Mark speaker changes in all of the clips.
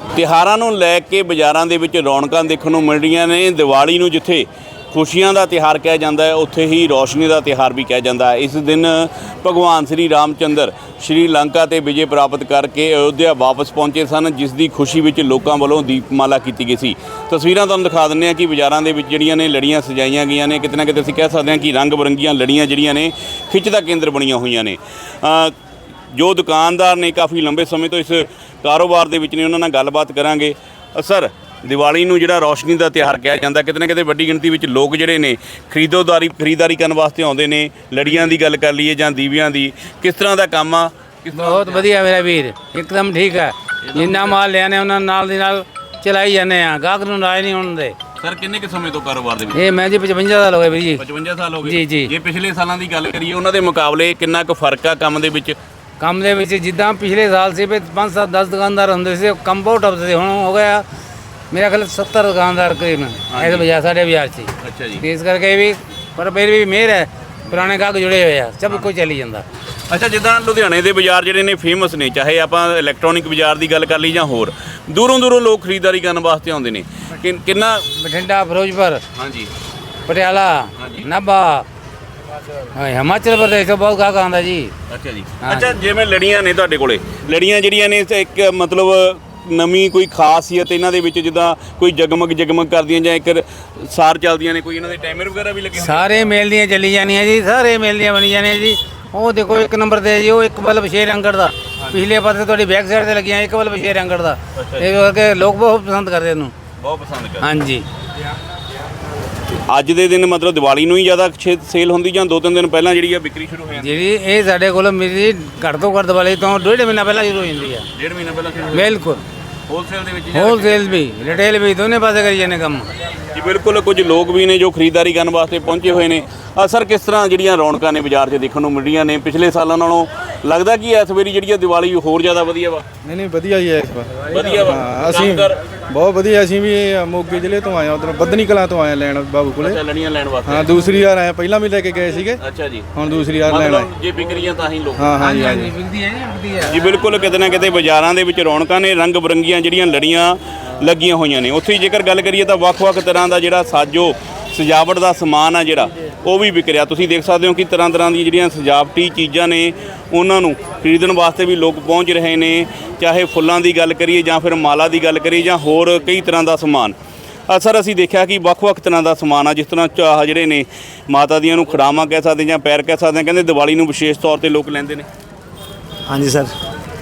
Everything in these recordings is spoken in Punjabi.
Speaker 1: ਤਿਉਹਾਰਾਂ ਨੂੰ ਲੈ ਕੇ ਬਾਜ਼ਾਰਾਂ ਦੇ ਵਿੱਚ ਰੌਣਕਾਂ ਦੇਖਣ ਨੂੰ ਮਿਲ ਰਹੀਆਂ ਨੇ। ਦੀਵਾਲੀ ਨੂੰ ਜਿੱਥੇ ਖੁਸ਼ੀਆਂ ਦਾ ਤਿਉਹਾਰ ਕਿਹਾ ਜਾਂਦਾ ਹੈ, ਉੱਥੇ ਹੀ ਰੌਸ਼ਨੀ ਦਾ ਤਿਉਹਾਰ ਵੀ ਕਿਹਾ ਜਾਂਦਾ ਹੈ। ਇਸ ਦਿਨ ਭਗਵਾਨ ਸ਼੍ਰੀ ਰਾਮਚੰਦਰ ਸ਼੍ਰੀ ਲੰਕਾ ਤੇ ਵਿਜੇ ਪ੍ਰਾਪਤ ਕਰਕੇ ਅਯੋਧਿਆ ਵਾਪਸ ਪਹੁੰਚੇ ਸਨ, ਜਿਸ ਦੀ ਖੁਸ਼ੀ ਵਿੱਚ ਲੋਕਾਂ ਵੱਲੋਂ ਦੀਪਮਾਲਾ ਕੀਤੀ ਗਈ ਸੀ। ਤਸਵੀਰਾਂ ਤੁਹਾਨੂੰ ਦਿਖਾ ਦਿੰਦੇ ਹਾਂ ਕਿ ਬਾਜ਼ਾਰਾਂ ਦੇ ਵਿੱਚ ਜਿਹੜੀਆਂ ਨੇ ਲੜੀਆਂ ਸਜਾਈਆਂ ਗਈਆਂ ਨੇ। ਕਿਤੇ ਨਾ ਕਿਤੇ ਅਸੀਂ ਕਹਿ ਸਕਦੇ ਹਾਂ ਕਿ ਰੰਗ ਬਰੰਗੀਆਂ ਲੜੀਆਂ ਜਿਹੜੀਆਂ ਨੇ ਖਿੱਚ ਦਾ ਕੇਂਦਰ ਬਣੀਆਂ ਹੋਈਆਂ ਨੇ। ਜੋ ਦੁਕਾਨਦਾਰ ਨੇ ਕਾਫੀ ਲੰਬੇ ਸਮੇਂ ਤੋਂ ਇਸ ਕਾਰੋਬਾਰ ਦੇ ਵਿੱਚ ਨੇ, ਉਹਨਾਂ ਨਾਲ ਗੱਲਬਾਤ ਕਰਾਂਗੇ। ਸਰ, ਦੀਵਾਲੀ ਨੂੰ ਜਿਹੜਾ ਰੌਸ਼ਨੀ ਦਾ ਤਿਉਹਾਰ ਕਿਹਾ ਜਾਂਦਾ, ਕਿਤੇ ਨਾ ਕਿਤੇ ਵੱਡੀ ਗਿਣਤੀ ਵਿੱਚ ਲੋਕ ਜਿਹੜੇ ਨੇ ਖਰੀਦਦਾਰੀ ਕਰਨ ਵਾਸਤੇ ਆਉਂਦੇ ਨੇ। ਲੜੀਆਂ ਦੀ ਗੱਲ ਕਰ ਲਈਏ ਜਾਂ ਦੀਵਿਆਂ ਦੀ, ਕਿਸ ਤਰ੍ਹਾਂ ਦਾ ਕੰਮ ਆ?
Speaker 2: ਬਹੁਤ ਵਧੀਆ ਮੇਰਾ ਵੀਰ, ਇੱਕਦਮ ਠੀਕ ਹੈ। ਜਿੰਨਾ ਮਾਲ ਲਿਆਨੇ ਉਹਨਾਂ ਨਾਲ ਦੀ ਨਾਲ ਚਲਾਈ ਜਾਂਦੇ ਆ, ਗਾਹਕ ਨੂੰ ਨਾਰਾਜ਼ ਨਹੀਂ ਹੋਣ ਦੇ।
Speaker 1: ਸਰ, ਕਿੰਨੇ ਕੁ ਸਮੇਂ ਤੋਂ ਕਾਰੋਬਾਰ ਦੇ ਵਿੱਚ?
Speaker 2: ਇਹ ਮੈਂ ਜੀ 55 ਸਾਲ ਹੋ ਗਏ ਵੀਰ ਜੀ।
Speaker 1: 55 ਸਾਲ ਹੋ ਗਏ
Speaker 2: ਜੀ ਜੀ।
Speaker 1: ਜੇ ਪਿਛਲੇ ਸਾਲਾਂ ਦੀ ਗੱਲ ਕਰੀਏ, ਉਹਨਾਂ ਦੇ ਮੁਕਾਬਲੇ ਕਿੰਨਾ ਕੁ ਫਰਕ ਆ ਕੰਮ ਦੇ ਵਿੱਚ?
Speaker 2: ਕੰਮ ਦੇ ਵਿੱਚ ਜਿੱਦਾਂ ਪਿਛਲੇ ਸਾਲ ਸੀ ਵੀ 5-7-10 ਦੁਕਾਨਦਾਰ ਹੁੰਦੇ ਸੀ, ਕੰਮ ਬਹੁਤ ਟੱਪ ਸੀ। ਹੁਣ ਹੋ ਗਿਆ ਮੇਰਾ ਖਿਆਲ 70 ਦੁਕਾਨਦਾਰ ਕਰੀਬ ਇਸ ਬਾਜ਼ਾਰ ਸਾਡੇ ਬਾਜ਼ਾਰ 'ਚ।
Speaker 1: ਅੱਛਾ ਜੀ।
Speaker 2: ਇਸ ਕਰਕੇ ਵੀ ਪਰ ਫਿਰ ਵੀ ਮਿਹਰ ਹੈ, ਪੁਰਾਣੇ ਗਾਹਕ ਜੁੜੇ ਹੋਏ ਆ, ਸਭ ਕੁਝ ਚੱਲੀ ਜਾਂਦਾ।
Speaker 1: ਅੱਛਾ, ਜਿੱਦਾਂ ਲੁਧਿਆਣੇ ਦੇ ਬਾਜ਼ਾਰ ਜਿਹੜੇ ਨੇ ਫੇਮਸ ਨੇ, ਚਾਹੇ ਆਪਾਂ ਇਲੈਕਟ੍ਰੋਨਿਕ ਬਾਜ਼ਾਰ ਦੀ ਗੱਲ ਕਰ ਲਈ ਜਾਂ ਹੋਰ, ਦੂਰੋਂ ਲੋਕ ਖਰੀਦਦਾਰੀ ਕਰਨ ਵਾਸਤੇ ਆਉਂਦੇ ਨੇ। ਕਿੰਨਾ?
Speaker 2: ਬਠਿੰਡਾ, ਫਿਰੋਜ਼ਪੁਰ,
Speaker 1: ਹਾਂਜੀ,
Speaker 2: ਪਟਿਆਲਾ, ਨਾਭਾ, ਹਿਮਾਚਲ ਪ੍ਰਦੇਸ਼ ਤੋਂ ਬਹੁਤ ਗਾਹਕ ਆਉਂਦਾ ਜੀ।
Speaker 1: ਅੱਛਾ ਜੀ। ਅੱਛਾ, ਜਿਵੇਂ ਲੜੀਆਂ ਨੇ ਤੁਹਾਡੇ ਕੋਲੇ, ਲੜੀਆਂ ਜਿਹੜੀਆਂ ਨੇ ਇੱਕ ਮਤਲਬ ਨਵੀਂ ਕੋਈ ਖਾਸੀਅਤ ਇਹਨਾਂ ਦੇ ਵਿੱਚ, ਜਿੱਦਾਂ ਕੋਈ ਜਗਮਗ ਕਰਦੀਆਂ ਜਾਂ ਇੱਕ ਸਾਰ ਚੱਲਦੀਆਂ ਨੇ, ਕੋਈ ਇਹਨਾਂ ਦੇ ਟਾਈਮਰ ਵਗੈਰਾ ਵੀ ਲੱਗੇ?
Speaker 2: ਸਾਰੇ ਮੇਲ ਦੀਆਂ ਚੱਲੀ ਜਾਂਦੀਆਂ ਜੀ, ਸਾਰੇ ਮੇਲ ਦੀਆਂ ਬਣੀ ਜਾਂਦੀਆਂ ਜੀ। ਉਹ ਦੇਖੋ ਇੱਕ ਨੰਬਰ ਤੇ ਜੀ, ਉਹ ਇੱਕ ਬਲਬ 6 ਰੰਗੜ ਦਾ, ਪਿਛਲੇ ਪਾਸੇ ਤੁਹਾਡੀ ਬੈਕ ਸਾਈਡ ਤੇ ਲੱਗੀਆਂ, ਇੱਕ ਬਲਬ 6 ਰੰਗੜ ਦਾ। ਇਹ ਕਰਕੇ ਲੋਕ ਬਹੁਤ ਪਸੰਦ ਕਰਦੇ ਇਹਨੂੰ,
Speaker 1: ਬਹੁਤ ਪਸੰਦ ਕਰਦੇ।
Speaker 2: ਹਾਂਜੀ।
Speaker 1: ਅੱਜ ਦੇ ਦਿਨ ਮਤਲਬ ਦੀਵਾਲੀ ਨੂੰ ਹੀ ਜ਼ਿਆਦਾ ਸੇਲ ਹੁੰਦੀ ਜਾਂ 2-3 ਦਿਨ ਪਹਿਲਾਂ ਜਿਹੜੀ ਆ ਵਿਕਰੀ ਸ਼ੁਰੂ ਹੋ ਜਾਂਦੀ?
Speaker 2: ਜਿਹੜੀ ਇਹ ਸਾਡੇ ਕੋਲ ਮੇਰੀ ਘੱਟ ਤੋਂ ਘੱਟ ਦੀਵਾਲੀ ਤੋਂ 1.5 ਮਹੀਨਾ ਪਹਿਲਾਂ ਸ਼ੁਰੂ ਹੋ ਜਾਂਦੀ ਹੈ।
Speaker 1: 1.5 ਮਹੀਨਾ ਪਹਿਲਾਂ ਸ਼ੁਰੂ?
Speaker 2: ਬਿਲਕੁਲ।
Speaker 1: ਹੋਲਸੇਲ ਦੇ ਵਿੱਚ?
Speaker 2: ਹੋਲਸੇਲ ਵੀ, ਰਿਟੇਲ ਵੀ, ਦੋਨੇ ਪਾਸੇ ਕਰੀ ਜਾਂਦੇ ਕੰਮ
Speaker 1: ਜੀ। ਬਿਲਕੁਲ। ਕੁਝ ਲੋਕ ਵੀ ਨੇ ਜੋ ਖਰੀਦਦਾਰੀ ਕਰਨ ਵਾਸਤੇ ਪਹੁੰਚੇ ਹੋਏ ਨੇ। ਸਰ, ਕਿਸ ਤਰ੍ਹਾਂ ਜਿਹੜੀਆਂ ਰੌਣਕਾਂ ਨੇ ਬਾਜ਼ਾਰ 'ਚ ਦੇਖਣ ਨੂੰ ਮਿਲ ਰਹੀਆਂ ਨੇ? ਪਿਛਲੇ ਸਾਲਾਂ ਨਾਲੋਂ ਲੱਗਦਾ ਕਿ ਇਸ ਵਾਰੀ ਜਿਹੜੀ ਦੀਵਾਲੀ ਹੋਰ ਜ਼ਿਆਦਾ ਵਧੀਆ ਵਾ?
Speaker 3: ਨਹੀਂ ਵਧੀਆ ਹੀ ਹੈ ਇਸ ਵਾਰ।
Speaker 1: ਵਧੀਆ ਵਾ?
Speaker 3: ਅਸੀਂ ਬਹੁਤ ਵਧੀਆ। ਅਸੀਂ ਵੀ ਮੋਗੇ ਜ਼ਿਲ੍ਹੇ ਤੋਂ ਆਏ ਹਾਂ, ਉਧਰ ਬੱਧਨੀ ਕਲਾਂ ਤੋਂ ਆਏ ਲੈਣ ਬਾਬੂ ਕੋਲੇ।
Speaker 1: ਲੜੀਆਂ ਲੈਣ ਵਾਸਤੇ?
Speaker 3: ਹਾਂ, ਦੂਸਰੀ ਵਾਰ ਆਏ, ਪਹਿਲਾਂ ਵੀ ਲੈ ਕੇ ਗਏ ਸੀਗੇ।
Speaker 1: ਅੱਛਾ ਜੀ।
Speaker 3: ਹੁਣ ਦੂਸਰੀ ਵਾਰ ਲੈਣ ਆਏ।
Speaker 1: ਜੇ ਵਿਕਰੀਆਂ ਤਾਂ ਹੀ ਲੋਕ?
Speaker 3: ਹਾਂ ਜੀ।
Speaker 2: ਵਿਕਦੀ ਹੈ
Speaker 1: ਜੀ ਬਿਲਕੁਲ। ਕਿਤੇ ਨਾ ਕਿਤੇ ਬਾਜ਼ਾਰਾਂ ਦੇ ਵਿੱਚ ਰੌਣਕਾਂ ਨੇ, ਰੰਗ ਬਰੰਗੀਆਂ ਜਿਹੜੀਆਂ ਲੜੀਆਂ ਲੱਗੀਆਂ ਹੋਈਆਂ ਨੇ। ਉੱਥੇ ਜੇਕਰ ਗੱਲ ਕਰੀਏ ਤਾਂ ਵੱਖ-ਵੱਖ ਤਰ੍ਹਾਂ ਦਾ ਜਿਹੜਾ ਸਾਜੋ ਸਜਾਵਟ ਦਾ ਸਮਾਨ ਆ ਜਿਹੜਾ, ਉਹ ਵੀ ਵਿਕ ਰਿਹਾ। ਤੁਸੀਂ ਦੇਖ ਸਕਦੇ ਹੋ ਕਿ ਤਰ੍ਹਾਂ ਦੀਆਂ ਜਿਹੜੀਆਂ ਸਜਾਵਟੀ ਚੀਜ਼ਾਂ ਨੇ, ਉਹਨਾਂ ਨੂੰ ਖਰੀਦਣ ਵਾਸਤੇ ਵੀ ਲੋਕ ਪਹੁੰਚ ਰਹੇ ਨੇ। ਚਾਹੇ ਫੁੱਲਾਂ ਦੀ ਗੱਲ ਕਰੀਏ ਜਾਂ ਫਿਰ ਮਾਲਾ ਦੀ ਗੱਲ ਕਰੀਏ ਜਾਂ ਹੋਰ ਕਈ ਤਰ੍ਹਾਂ ਦਾ ਸਮਾਨ। ਸਰ, ਅਸੀਂ ਦੇਖਿਆ ਕਿ ਵੱਖ-ਵੱਖ ਤਰ੍ਹਾਂ ਦਾ ਸਮਾਨ ਆ, ਜਿਸ ਤਰ੍ਹਾਂ ਚਾਹ ਜਿਹੜੇ ਨੇ ਮਾਤਾ ਦੀਆਂ ਨੂੰ ਖੜਾਵਾਂ ਕਹਿ ਸਕਦੇ ਜਾਂ ਪੈਰ ਕਹਿ ਸਕਦੇ, ਕਹਿੰਦੇ ਦੀਵਾਲੀ ਨੂੰ ਵਿਸ਼ੇਸ਼ ਤੌਰ 'ਤੇ ਲੋਕ ਲੈਂਦੇ ਨੇ।
Speaker 4: ਹਾਂਜੀ ਸਰ,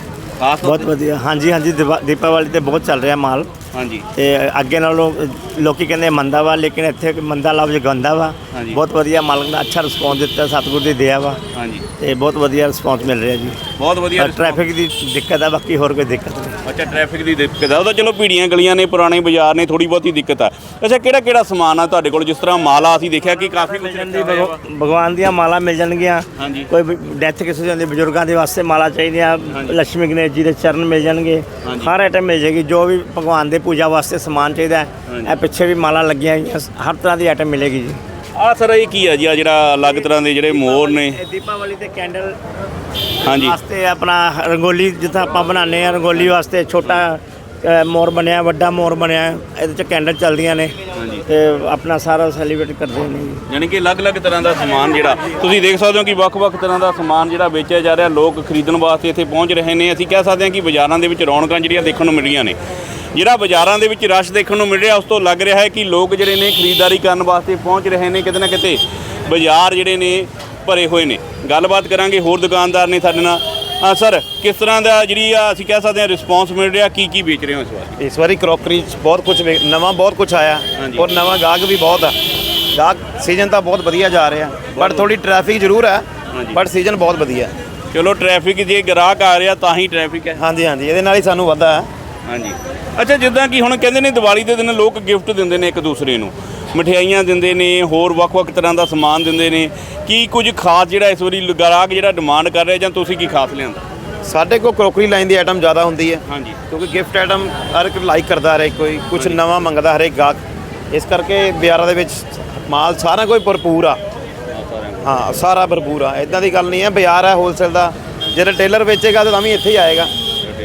Speaker 1: ਖਾਸ
Speaker 4: ਬਹੁਤ ਵਧੀਆ। ਹਾਂਜੀ ਦੀਪਾਵਲੀ ਤੇ ਬਹੁਤ ਚੱਲ ਰਿਹਾ ਮਾਲ।
Speaker 1: ਹਾਂਜੀ।
Speaker 4: ਤੇ ਅੱਗੇ ਨਾਲੋਂ ਲੋਕੀ ਕਹਿੰਦੇ ਮੰਦਾ ਵਾ, ਲੇਕਿਨ ਇੱਥੇ ਮੰਦਾ ਲਫ਼ਜ਼ ਗੰਦਾ ਵਾ। ਬਹੁਤ ਵਧੀਆ ਮਾਲਕ ਨੇ ਅੱਛਾ ਰਿਸਪੌਂਸ ਦਿੱਤਾ, ਸਤਿਗੁਰ ਦੀ ਦਇਆ ਵਾ। ਹਾਂਜੀ। ਤੇ ਬਹੁਤ ਵਧੀਆ ਰਿਸਪੌਂਸ ਮਿਲ ਰਿਹਾ ਜੀ।
Speaker 1: ਬਹੁਤ ਵਧੀਆ।
Speaker 4: ਟ੍ਰੈਫਿਕ ਦੀ ਦਿੱਕਤ ਆ, ਬਾਕੀ ਹੋਰ ਕੋਈ ਦਿੱਕਤ ਨਹੀਂ।
Speaker 1: ਅੱਛਾ, ਟ੍ਰੈਫਿਕ ਦੀ ਦਿੱਕਤ ਆ, ਉਹ ਤਾਂ ਚਲੋ ਭੀੜੀਆਂ ਗਲੀਆਂ ਨੇ, ਪੁਰਾਣੇ ਬਾਜ਼ਾਰ ਨੇ, ਥੋੜੀ ਬਹੁਤੀ ਦਿੱਕਤ ਆ। ਅੱਛਾ, ਕਿਹੜਾ ਸਮਾਨ ਆ ਤੁਹਾਡੇ ਕੋਲ? ਜਿਸ ਤਰ੍ਹਾਂ ਮਾਲਾ ਅਸੀਂ ਦੇਖਿਆ ਕਿ ਕਾਫੀ ਕੁਝ
Speaker 4: ਭਗਵਾਨ ਦੀਆਂ ਮਾਲਾ ਮਿਲ ਜਾਣਗੀਆਂ।
Speaker 1: ਹਾਂਜੀ।
Speaker 4: ਕੋਈ ਡੈਥ ਕਿਸੇ ਦੀ ਹੁੰਦੀ, ਬਜ਼ੁਰਗਾਂ ਦੇ ਵਾਸਤੇ ਮਾਲਾ ਚਾਹੀਦੀ ਆ। ਲక్ష్ਮੀ ਗਣੇਸ਼ ਜੀ ਦੇ ਚਰਨ ਮਿਲ ਜਾਣਗੇ, ਹਰ ਆਈਟਮ ਮਿਲ ਜਾਏਗੀ। ਜੋ ਵੀ ਭਗਵਾਨ ਦੇ ਪੂਜਾ ਵਾਸਤੇ ਸਮਾਨ ਚਾਹੀਦਾ ਹੈ, ਇਹ ਪਿੱਛੇ ਵੀ ਮਾਲਾ ਲੱਗੀਆਂ ਹੋਈਆਂ, ਹਰ ਤਰ੍ਹਾਂ ਦੀ ਆਈਟਮ ਮਿਲੇਗੀ ਜੀ।
Speaker 1: ਸਰ, ਇਹ ਕੀ ਆ ਜੀ? ਜਿਹੜਾ ਅਲੱਗ ਤਰ੍ਹਾਂ ਦੇ ਜਿਹੜੇ ਮੋਰ ਨੇ?
Speaker 4: ਦੀਪਾਵਲੀ ਤੇ ਕੈਂਡਲ
Speaker 1: ਹਾਂਜੀ
Speaker 4: ਵਾਸਤੇ ਆਪਣਾ ਰੰਗੋਲੀ ਜਿੱਦਾਂ ਆਪਾਂ ਬਣਾਉਂਦੇ ਆ, ਰੰਗੋਲੀ ਵਾਸਤੇ ਛੋਟਾ ਮੋਰ ਬਣਿਆ, ਵੱਡਾ ਮੋਰ ਬਣਿਆ, ਇਹਦੇ 'ਚ ਕੈਂਡਲ ਚੱਲਦੀਆਂ ਨੇ ਤੇ ਆਪਣਾ ਸਾਰਾ ਸੈਲੀਬ੍ਰੇਟ ਕਰਦੇ ਨੇ।
Speaker 1: ਯਾਨੀ ਕਿ ਅਲੱਗ-ਅਲੱਗ ਤਰ੍ਹਾਂ ਦਾ ਸਮਾਨ ਜਿਹੜਾ ਤੁਸੀਂ ਦੇਖ ਸਕਦੇ ਹੋ ਕਿ ਵੱਖ-ਵੱਖ ਤਰ੍ਹਾਂ ਦਾ ਸਮਾਨ ਜਿਹੜਾ ਵੇਚਿਆ ਜਾ ਰਿਹਾ, ਲੋਕ ਖਰੀਦਣ ਵਾਸਤੇ ਇੱਥੇ ਪਹੁੰਚ ਰਹੇ ਨੇ। ਅਸੀਂ ਕਹਿ ਸਕਦੇ ਹਾਂ ਕਿ ਬਾਜ਼ਾਰਾਂ ਦੇ ਵਿੱਚ ਰੌਣਕਾਂ ਜਿਹੜੀਆਂ ਦੇਖਣ ਨੂੰ ਮਿਲ ਰਹੀਆਂ ਨੇ। ਜਿਹੜਾ ਬਾਜ਼ਾਰਾਂ ਦੇ ਵਿੱਚ ਰਸ਼ ਦੇਖਣ ਨੂੰ ਮਿਲ ਰਿਹਾ, ਉਸ ਤੋਂ ਲੱਗ ਰਿਹਾ ਹੈ ਕਿ ਲੋਕ ਜਿਹੜੇ ਨੇ ਖਰੀਦਦਾਰੀ ਕਰਨ ਵਾਸਤੇ ਪਹੁੰਚ ਰਹੇ ਨੇ। ਕਿਤੇ ਨਾ ਕਿਤੇ ਬਾਜ਼ਾਰ ਜਿਹੜੇ ਨੇ ਭਰੇ ਹੋਏ ਨੇ। ਗੱਲਬਾਤ ਕਰਾਂਗੇ, ਹੋਰ ਦੁਕਾਨਦਾਰ ਨੇ ਸਾਡੇ ਨਾਲ। ਸਰ, ਕਿਸ ਤਰ੍ਹਾਂ ਦਾ ਜਿਹੜੀ ਅਸੀਂ ਕਹਿ ਸਕਦੇ ਹਾਂ ਰਿਸਪੌਂਸ ਮਿਲ ਰਿਹਾ? ਕੀ ਵੇਚ ਰਹੇ ਹੋ ਇਸ ਵਾਰ?
Speaker 5: ਇਸ ਵਾਰੀ ਕਰੋਕਰੀ 'ਚ ਬਹੁਤ ਕੁਝ ਨਵਾਂ ਬਹੁਤ ਕੁਝ ਆਇਆ ਔਰ ਨਵਾਂ ਗਾਹਕ ਵੀ ਬਹੁਤ ਆ। ਗਾਹਕ ਸੀਜ਼ਨ ਤਾਂ ਬਹੁਤ ਵਧੀਆ ਜਾ ਰਿਹਾ, ਬਟ ਥੋੜੀ ਟ੍ਰੈਫਿਕ ਜ਼ਰੂਰ ਹੈ, ਬਟ ਸੀਜ਼ਨ ਬਹੁਤ ਵਧੀਆ।
Speaker 1: ਚਲੋ, ਟ੍ਰੈਫਿਕ ਜੇ ਗ੍ਰਾਹਕ ਆ ਰਿਹਾ ਤਾਂ ਹੀ ਟ੍ਰੈਫਿਕ ਹੈ।
Speaker 5: ਹਾਂਜੀ, ਇਹਦੇ ਨਾਲ ਹੀ ਸਾਨੂੰ ਵਾਧਾ ਹੈ।
Speaker 1: ਹਾਂਜੀ। ਅੱਛਾ, ਜਿੱਦਾਂ ਕਿ ਹੁਣ ਕਹਿੰਦੇ ਨੇ ਦੀਵਾਲੀ ਦੇ ਦਿਨ ਲੋਕ ਗਿਫਟ ਦਿੰਦੇ ਨੇ ਇੱਕ ਦੂਸਰੇ ਨੂੰ, ਮਠਿਆਈਆਂ ਦਿੰਦੇ ਨੇ, ਹੋਰ ਵੱਖ-ਵੱਖ ਤਰ੍ਹਾਂ ਦਾ ਸਮਾਨ ਦਿੰਦੇ ਨੇ। ਕੀ ਕੁਝ ਖਾਸ ਜਿਹੜਾ ਇਸ ਵਾਰੀ ਗਾਹਕ ਜਿਹੜਾ ਡਿਮਾਂਡ ਕਰ ਰਿਹਾ ਜਾਂ ਤੁਸੀਂ ਕੀ ਖਾਸ ਲਿਆਂਦਾ?
Speaker 5: ਸਾਡੇ ਕੋਲ ਕਰੋਕਰੀ ਲਾਈਨ ਦੀ ਆਈਟਮ ਜ਼ਿਆਦਾ ਹੁੰਦੀ ਹੈ।
Speaker 1: ਹਾਂਜੀ।
Speaker 5: ਕਿਉਂਕਿ ਗਿਫਟ ਆਈਟਮ ਹਰ ਇੱਕ ਲਾਈਕ ਕਰਦਾ, ਹਰੇਕ ਕੋਈ ਕੁਝ ਨਵਾਂ ਮੰਗਦਾ, ਹਰੇਕ ਗਾਹਕ। ਇਸ ਕਰਕੇ ਬਾਜ਼ਾਰਾਂ ਦੇ ਵਿੱਚ ਮਾਲ ਸਾਰਾ ਕੋਈ ਭਰਪੂਰ ਆ। ਹਾਂ, ਸਾਰਾ ਭਰਪੂਰ ਆ, ਇੱਦਾਂ ਦੀ ਗੱਲ ਨਹੀਂ ਹੈ। ਬਾਜ਼ਾਰ ਹੈ ਹੋਲਸੇਲ ਦਾ, ਜੇ ਰਿਟੇਲਰ ਵੇਚੇਗਾ ਤਾਂ ਵੀ ਇੱਥੇ ਹੀ ਆਏਗਾ।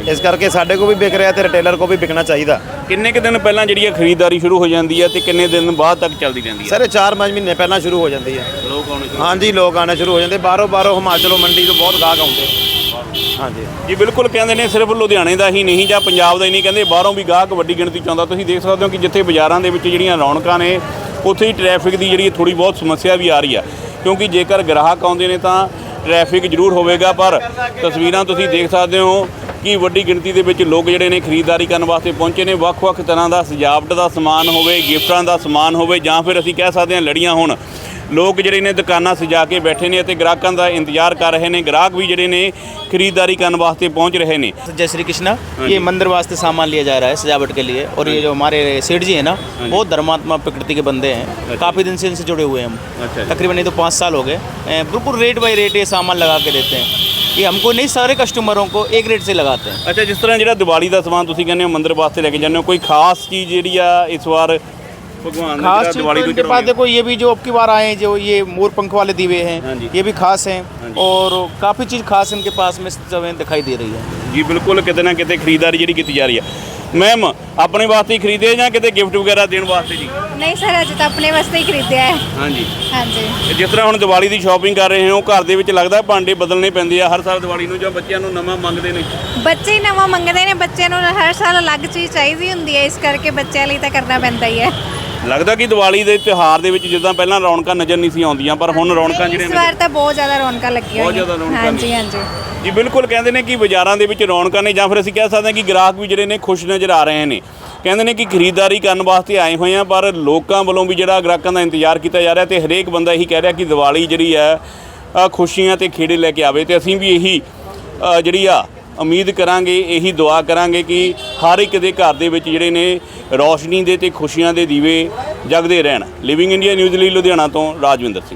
Speaker 5: ਇਸ ਕਰਕੇ ਸਾਡੇ ਕੋ ਵੀ ਵਿਕ ਰਿਹਾ ਤੇ ਰਿਟੇਲਰ ਕੋ ਵੀ ਵਿਕਣਾ ਚਾਹੀਦਾ।
Speaker 1: ਕਿੰਨੇ ਕੁ ਦਿਨ ਪਹਿਲਾਂ ਜਿਹੜੀ ਹੈ ਖਰੀਦਦਾਰੀ ਸ਼ੁਰੂ ਹੋ ਜਾਂਦੀ ਹੈ ਤੇ ਕਿੰਨੇ ਦਿਨ ਬਾਅਦ ਤੱਕ ਚੱਲਦੀ ਰਹਿੰਦੀ ਹੈ?
Speaker 5: ਸਰ 4-5 ਮਹੀਨੇ ਪਹਿਲਾਂ ਸ਼ੁਰੂ ਹੋ ਜਾਂਦੀ ਹੈ।
Speaker 1: ਲੋਕ ਆਉਣੇ ਸ਼ੁਰੂ
Speaker 5: ਹਾਂਜੀ, ਲੋਕ ਆਉਣੇ ਸ਼ੁਰੂ ਹੋ ਜਾਂਦੇ, ਬਾਹਰੋਂ ਹਿਮਾਚਲੋਂ ਮੰਡੀ ਤੋਂ ਬਹੁਤ ਗਾਹਕ ਆਉਂਦੇ। ਹਾਂਜੀ
Speaker 1: ਜੀ ਬਿਲਕੁਲ, ਕਹਿੰਦੇ ਨੇ ਸਿਰਫ ਲੁਧਿਆਣੇ ਦਾ ਹੀ ਨਹੀਂ ਜਾਂ ਪੰਜਾਬ ਦਾ ਹੀ ਨਹੀਂ, ਕਹਿੰਦੇ ਬਾਹਰੋਂ ਵੀ ਗਾਹਕ ਵੱਡੀ ਗਿਣਤੀ 'ਚ ਆਉਂਦਾ। ਤੁਸੀਂ ਦੇਖ ਸਕਦੇ ਹੋ ਕਿ ਜਿੱਥੇ ਬਾਜ਼ਾਰਾਂ ਦੇ ਵਿੱਚ ਜਿਹੜੀਆਂ ਰੌਣਕਾਂ ਨੇ ਉੱਥੇ ਹੀ ਟ੍ਰੈਫਿਕ ਦੀ ਜਿਹੜੀ ਥੋੜ੍ਹੀ ਬਹੁਤ ਸਮੱਸਿਆ ਵੀ ਆ ਰਹੀ ਆ, ਕਿਉਂਕਿ ਜੇਕਰ ਗ੍ਰਾਹਕ ਆਉਂਦੇ ਨੇ ਤਾਂ ਟ੍ਰੈਫਿਕ ਜ਼ਰੂਰ ਹੋਵੇਗਾ, ਪਰ ਤਸਵੀਰਾਂ ਤੁਸੀਂ ਦੇਖ ਸਕਦੇ ਹੋ ਕਿ ਵੱਡੀ ਗਿਣਤੀ ਦੇ ਵਿੱਚ ਲੋਕ ਜਿਹੜੇ ਨੇ ਖਰੀਦਦਾਰੀ ਕਰਨ ਵਾਸਤੇ ਪਹੁੰਚੇ ਨੇ। ਵੱਖ-ਵੱਖ ਤਰ੍ਹਾਂ ਦਾ ਸਜਾਵਟ ਦਾ ਸਮਾਨ ਹੋਵੇ, ਗਿਫਟਾਂ ਦਾ ਸਮਾਨ ਹੋਵੇ, ਜਾਂ ਫਿਰ ਅਸੀਂ ਕਹਿ ਸਕਦੇ ਹਾਂ ਲੜੀਆਂ ਹੋਣ। ਲੋਕ ਜਿਹੜੇ ਨੇ ਦੁਕਾਨਾਂ ਸਜਾ ਕੇ ਬੈਠੇ ਨੇ ਅਤੇ ਗ੍ਰਾਹਕਾਂ ਦਾ ਇੰਤਜ਼ਾਰ ਕਰ ਰਹੇ ਨੇ। ਗ੍ਰਾਹਕ ਵੀ ਜਿਹੜੇ ਨੇ ਖਰੀਦਦਾਰੀ ਕਰਨ ਵਾਸਤੇ पहुंच रहे ने।
Speaker 6: जय श्री कृष्णा, ये मंदिर वास्ते सामान लिया जा रहा है सजावट के लिए, और ये जो हमारे सेठ जी हैं ना, बहुत धर्मात्मा प्रकृति के बंदे हैं, काफ़ी दिन से इनसे जुड़े हुए हैं हम। तकरीबन नहीं तो 5 साल हो गए। बिल्कुल रेट बाई रेट ये सामान लगा के देते हैं। ये हमको नहीं, सारे कस्टमरों को एक रेट से लगाते हैं।
Speaker 1: अच्छा, जिस तरह ਜਿਹੜਾ ਦੀਵਾਲੀ ਦਾ ਸਮਾਨ ਤੁਸੀਂ ਕਹਿੰਦੇ ਹੋ ਮੰਦਿਰ ਵਾਸਤੇ ਲੈ ਕੇ ਜਾਂਦੇ ਹੋ, ਕੋਈ ਖਾਸ ਚੀਜ਼ ਜਿਹੜੀ ਆ ਇਸ ਵਾਰ भगवान
Speaker 6: खास चीज़ तो इनके पास देखो, ये भी जो अब की बार आए हैं, जो ये मोर पंख वाले दीवे हैं, ये भी खास हैं, और काफ़ी चीज़ खास इनके पास में हमें दिखाई दे रही है।
Speaker 1: जी बिल्कुल, किते ना किते खरीदारी जी की जा रही है। मैम अपने वास्ते ही खरीदे या किते गिफ्ट वगैरह देने वास्ते जी?
Speaker 7: नहीं सर, अजे तो अपने वास्ते ही खरीदे है।
Speaker 1: हाँ जी,
Speaker 7: हाँ जी।
Speaker 1: जिस तरह ਹੁਣ ਦੀਵਾਲੀ ਦੀ ਸ਼ਾਪਿੰਗ ਕਰ ਰਹੇ ਹੋ, ਘਰ ਦੇ ਵਿੱਚ ਲੱਗਦਾ ਭਾਂਡੇ ਬਦਲਣੇ ਪੈਂਦੇ ਆ ਹਰ ਸਾਲ ਦੀਵਾਲੀ ਨੂੰ, ਜਾਂ ਬੱਚਿਆਂ ਨੂੰ ਨਵਾਂ ਮੰਗਦੇ ਨੇ?
Speaker 7: ਬੱਚੇ ਹੀ ਨਵਾਂ ਮੰਗਦੇ ਨੇ, ਬੱਚਿਆਂ ਨੂੰ ਹਰ ਸਾਲ ਅਲੱਗ ਚੀਜ਼ ਚਾਹੀਦੀ ਹੁੰਦੀ ਹੈ, ਇਸ ਕਰਕੇ ਬੱਚਿਆਂ ਲਈ ਤਾਂ ਕਰਨਾ ਪੈਂਦਾ ਹੀ ਹੈ।
Speaker 1: ਲੱਗਦਾ ਕਿ ਦੀਵਾਲੀ ਦੇ ਤਿਉਹਾਰ ਦੇ ਵਿੱਚ ਜਿੱਦਾਂ ਪਹਿਲਾਂ ਰੌਣਕਾਂ ਨਜ਼ਰ ਨਹੀਂ ਸੀ ਆਉਂਦੀਆਂ, ਪਰ ਹੁਣ ਰੌਣਕਾਂ ਜਿਹੜੀਆਂ
Speaker 7: ਇਸ ਵਾਰ ਤਾਂ ਬਹੁਤ ਜ਼ਿਆਦਾ ਰੌਣਕਾਂ ਲੱਗੀਆਂ
Speaker 1: ਬਹੁਤ ਜ਼ਿਆਦਾ ਰੌਣਕਾਂ
Speaker 7: ਹਾਂਜੀ
Speaker 1: ਨੇ।
Speaker 7: ਹਾਂਜੀ
Speaker 1: ਜੀ ਬਿਲਕੁਲ, ਕਹਿੰਦੇ ਨੇ ਕਿ ਬਾਜ਼ਾਰਾਂ ਦੇ ਵਿੱਚ ਰੌਣਕਾਂ ਨੇ, ਜਾਂ ਫਿਰ ਅਸੀਂ ਕਹਿ ਸਕਦੇ ਹਾਂ ਕਿ ਗ੍ਰਾਹਕ ਵੀ ਜਿਹੜੇ ਨੇ ਖੁਸ਼ ਨਜ਼ਰ ਆ ਰਹੇ ਨੇ। ਕਹਿੰਦੇ ਨੇ ਕਿ ਖਰੀਦਦਾਰੀ ਕਰਨ ਵਾਸਤੇ ਆਏ ਹੋਏ ਆ, ਪਰ ਲੋਕਾਂ ਵੱਲੋਂ ਵੀ ਜਿਹੜਾ ਗ੍ਰਾਹਕਾਂ ਦਾ ਇੰਤਜ਼ਾਰ ਕੀਤਾ ਜਾ ਰਿਹਾ, ਤੇ ਹਰੇਕ ਬੰਦਾ ਇਹੀ ਕਹਿ ਰਿਹਾ ਕਿ ਦੀਵਾਲੀ ਜਿਹੜੀ ਹੈ ਖੁਸ਼ੀਆਂ ਤੇ ਖੇੜੇ ਲੈ ਕੇ ਆਵੇ। ਤੇ ਅਸੀਂ ਵੀ ਇਹੀ ਜਿਹੜੀ ਆ ਉਮੀਦ ਕਰਾਂਗੇ, ਇਹੀ ਦੁਆ ਕਰਾਂਗੇ ਕਿ ਹਰ ਇੱਕ ਦੇ ਘਰ ਦੇ ਵਿੱਚ ਜਿਹੜੇ ਨੇ ਰੌਸ਼ਨੀ ਦੇ ਤੇ ਖੁਸ਼ੀਆਂ ਦੇ ਦੀਵੇ ਜਗਦੇ ਰਹਿਣ। ਲਿਵਿੰਗ ਇੰਡੀਆ ਨਿਊਜ਼ ਲਈ ਲੁਧਿਆਣਾ ਤੋਂ ਰਾਜਵਿੰਦਰ ਸਿੰਘ।